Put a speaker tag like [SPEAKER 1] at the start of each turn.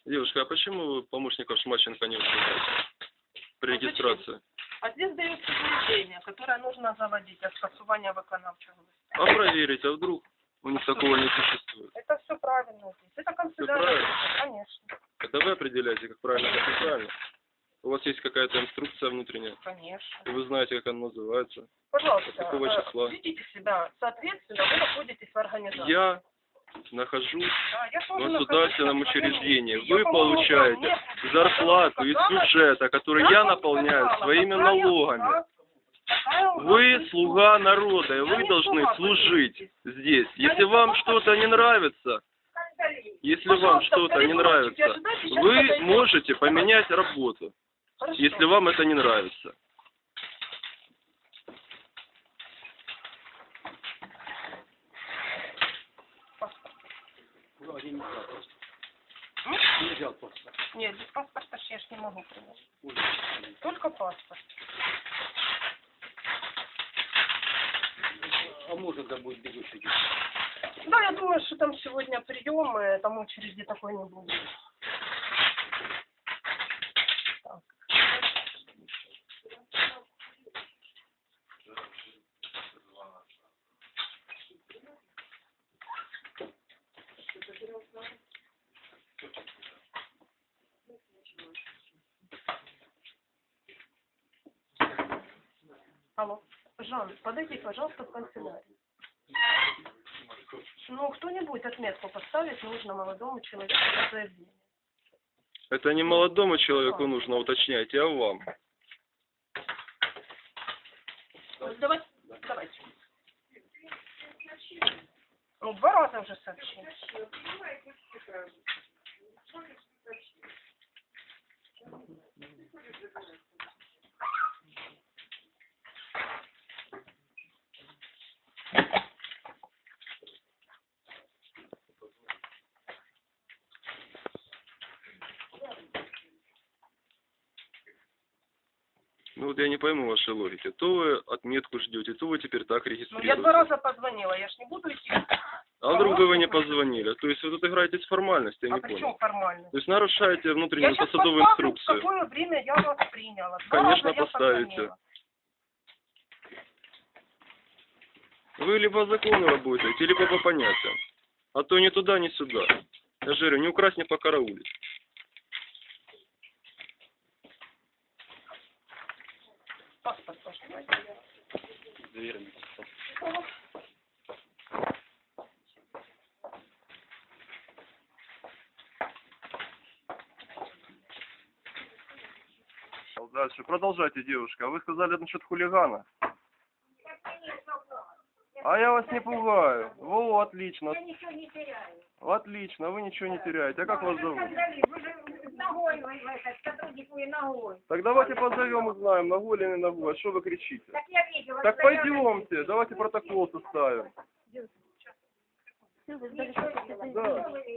[SPEAKER 1] Девушка, а почему вы помощников Шмаченко не вызываете при регистрации?
[SPEAKER 2] А здесь дается заявление, которое нужно заводить от скасування виконавчого листа.
[SPEAKER 1] А проверить, а вдруг у них такого не существует?
[SPEAKER 2] Это все правильно здесь. Это канцелярия.
[SPEAKER 1] правильно?
[SPEAKER 2] Конечно.
[SPEAKER 1] Это вы определяете, как правильно, как неправильно. У вас есть какая-то инструкция внутренняя,
[SPEAKER 2] Конечно.
[SPEAKER 1] и вы знаете, как она называется.
[SPEAKER 2] Пожалуйста,
[SPEAKER 1] От какого числа?
[SPEAKER 2] ведите себя соответственно, вы находитесь в организации.
[SPEAKER 1] Я нахожусь
[SPEAKER 2] Да, я
[SPEAKER 1] в
[SPEAKER 2] тоже
[SPEAKER 1] государственном
[SPEAKER 2] нахожусь в своем
[SPEAKER 1] учреждении.
[SPEAKER 2] месте.
[SPEAKER 1] Вы
[SPEAKER 2] Я помогу вам.
[SPEAKER 1] получаете
[SPEAKER 2] Нет,
[SPEAKER 1] зарплату из бюджета, который я
[SPEAKER 2] вам
[SPEAKER 1] наполняю
[SPEAKER 2] сказала,
[SPEAKER 1] своими
[SPEAKER 2] какая
[SPEAKER 1] налогами.
[SPEAKER 2] у нас- какая у нас
[SPEAKER 1] Вы
[SPEAKER 2] инструкция.
[SPEAKER 1] слуга народа, и
[SPEAKER 2] Я
[SPEAKER 1] вы
[SPEAKER 2] не
[SPEAKER 1] должны
[SPEAKER 2] слуга,
[SPEAKER 1] служить здесь.
[SPEAKER 2] Я
[SPEAKER 1] Если
[SPEAKER 2] не
[SPEAKER 1] вам
[SPEAKER 2] слуга,
[SPEAKER 1] что-то не нравится, если вам
[SPEAKER 2] Пожалуйста,
[SPEAKER 1] что-то не
[SPEAKER 2] коридорчик, я
[SPEAKER 1] нравится,
[SPEAKER 2] сюда сейчас
[SPEAKER 1] вы
[SPEAKER 2] подойду.
[SPEAKER 1] можете поменять работу,
[SPEAKER 2] Хорошо.
[SPEAKER 1] если вам это не нравится.
[SPEAKER 2] М?
[SPEAKER 3] Не взял просто.
[SPEAKER 2] Нет, без паспорта я ж не могу принять. Только паспорт.
[SPEAKER 3] А может, да будет бегущий.
[SPEAKER 2] Да, я думаю, что там сегодня прием, и там очереди такой не будет. Так. Алло, Жан, подойди, пожалуйста, в канцелярию. Ну, кто-нибудь отметку поставить нужно молодому человеку на заявление.
[SPEAKER 1] Это не молодому человеку нужно уточнять, а вам.
[SPEAKER 2] Давайте. Ну, 2 раза уже сообщили.
[SPEAKER 1] Ну вот я не пойму вашей логики. То вы отметку ждете, то вы теперь так
[SPEAKER 2] Ну, я
[SPEAKER 1] регистрируете.
[SPEAKER 2] 2 раза позвонила, я ж не буду идти.
[SPEAKER 1] А вдруг бы вы не позвонили? То есть вы тут играете с формальностью, я
[SPEAKER 2] А
[SPEAKER 1] не
[SPEAKER 2] при
[SPEAKER 1] понял.
[SPEAKER 2] чем формально?
[SPEAKER 1] То есть нарушаете
[SPEAKER 2] Я
[SPEAKER 1] внутреннюю
[SPEAKER 2] сейчас
[SPEAKER 1] посадовую
[SPEAKER 2] поставлю, в
[SPEAKER 1] инструкцию.
[SPEAKER 2] какое время я вас приняла. 2
[SPEAKER 1] Конечно,
[SPEAKER 2] раза я
[SPEAKER 1] поставите.
[SPEAKER 2] позвонила.
[SPEAKER 1] Вы либо по закону работаете, либо по понятиям. А то ни туда, ни сюда. Я же говорю, не украсть, не покараулить.
[SPEAKER 2] Паспорт ваш, давайте.
[SPEAKER 1] Дальше. Продолжайте, девушка. Вы сказали насчет хулигана. А я вас не пугаю. Во, отлично.
[SPEAKER 4] Я ничего не теряю.
[SPEAKER 1] Отлично, вы ничего не теряете. А как вас зовут?
[SPEAKER 4] Вы же ногой, вы этот, сотруднику и ногой.
[SPEAKER 1] Так давайте позовем, узнаем, ногой или не ногой. А что вы кричите?
[SPEAKER 4] Так я видела.
[SPEAKER 1] Так
[SPEAKER 4] что я
[SPEAKER 1] пойдемте, давайте протокол составим.
[SPEAKER 4] ничего не видела.
[SPEAKER 1] Да.